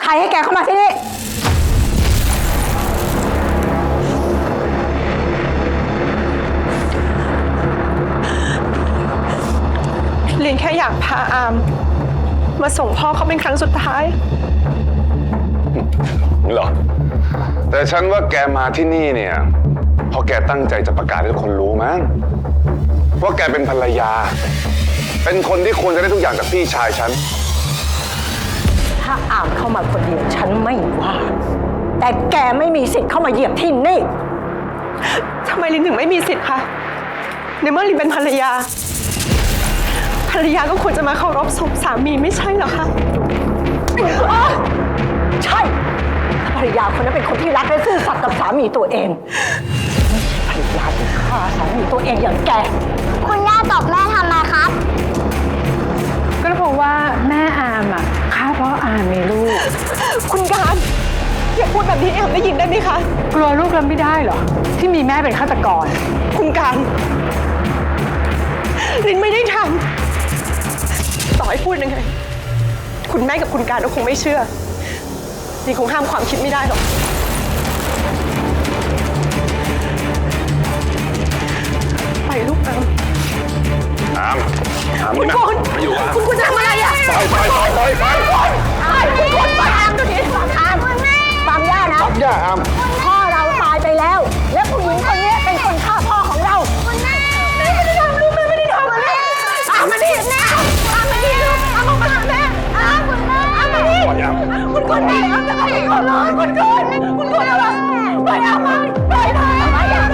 รให้แกเข้ามาที่นี่ลินแค่อยากพาอามมาส่งพ่อเขาเป็นครั้งสุดท้ายเหรอแต่ฉันว่าแกมาที่นี่เนี่ยเพราะแกตั้งใจจะประกาศให้ทุกคนรู้มั้งว่าแกเป็นภรรยาเป็นคนที่ควรจะได้ทุกอย่างจากพี่ชายฉันถ้าอามเข้ามาคนเดียวฉันไม่ว่าแต่แกไม่มีสิทธิ์เข้ามาเหยียบที่นี่ทำไมลินถึงไม่มีสิทธิ์คะในเมื่อลินเป็นภรรยาภรรยาก็ควรจะมาเคารพศพสามีไม่ใช่เหรอคะใช่ภรรยาคนนั้นเป็นคนที่รักและซื่อสัตย์กับสามีตัวเองไม่ใช่ภรรยาที่ฆ่าสามีตัวเองอย่างแกคุณย่าตอบแม่ทำไมครับก็เพราะว่าแม่อามอ่ะฆ่าเพราะอามมีลูกคุณการอย่าพูดแบบนี้แอมได้ยินได้ไหมคะกลัวลูกรับไม่ได้เหรอที่มีแม่เป็นฆาตกรคุณการลินไม่ได้ทำต่อให้พูดยังไงคุณแม่กับคุณการก็คงไม่เชื่อลินคงห้ามความคิดไม่ได้หรอกไปลูกอามคุณคนคุณทำอะไรอ่ะไปคุณไปอามตัวนี้อามฟังย่านะย่าอามพ่อเราตายไปแล้วและผู้หญิงคนนี้เป็นคนฆ่าพ่อของเราคุณแม่ไม่ได้ทำลูกแม่ไม่ได้ทำอะไรอามมาดิแม่อามมาดิลูกอามมาแม่คุณแม่อามมาดิคุณคนแม่อามจะไปก่อนเลยคุณคนอะไรไปอามมาไปเถอะไม่อยากไป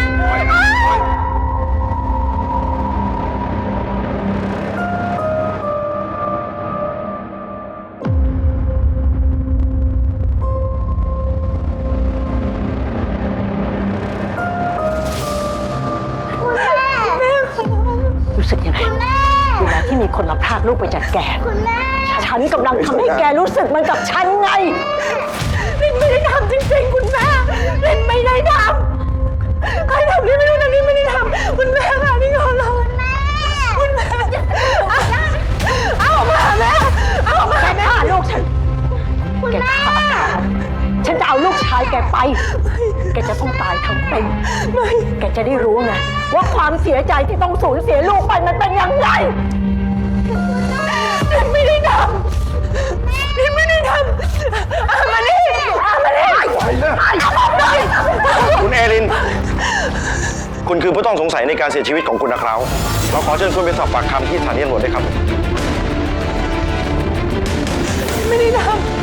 รู้สึกยังไงเวลาที่มีคนมาพรากลูกไปจากแกฉันกำลังทำให้แกรู้สึกมันกับฉันไงลินไม่ได้ทำจริงๆคุณแม่ลินไม่ได้ทำใครทำลินไม่รู้นะลินไม่ได้ทำคุณแม่ค่ะนี่ขอร้องคุณแม่เอามาแม่เอามาแม่ลูกฉันแกฆ่าฉันจะเอาลูกชายแกไปแกจะต้องตายทั้งเป็นแกจะได้รู้ไงว่าความเสียใจที่ต้องสูญเสียลูกไปมันเป็นยังไงลินไม่ได้ทำลินไม่ได้ทำอามานี่คุณเอลินคุณคือผู้ต้องสงสัยในการเสียชีวิตของคุณนะครับเราขอเชิญคุณไปสอบปากคำที่สถานีตำรวจด้วยครับไม่ได้ทำ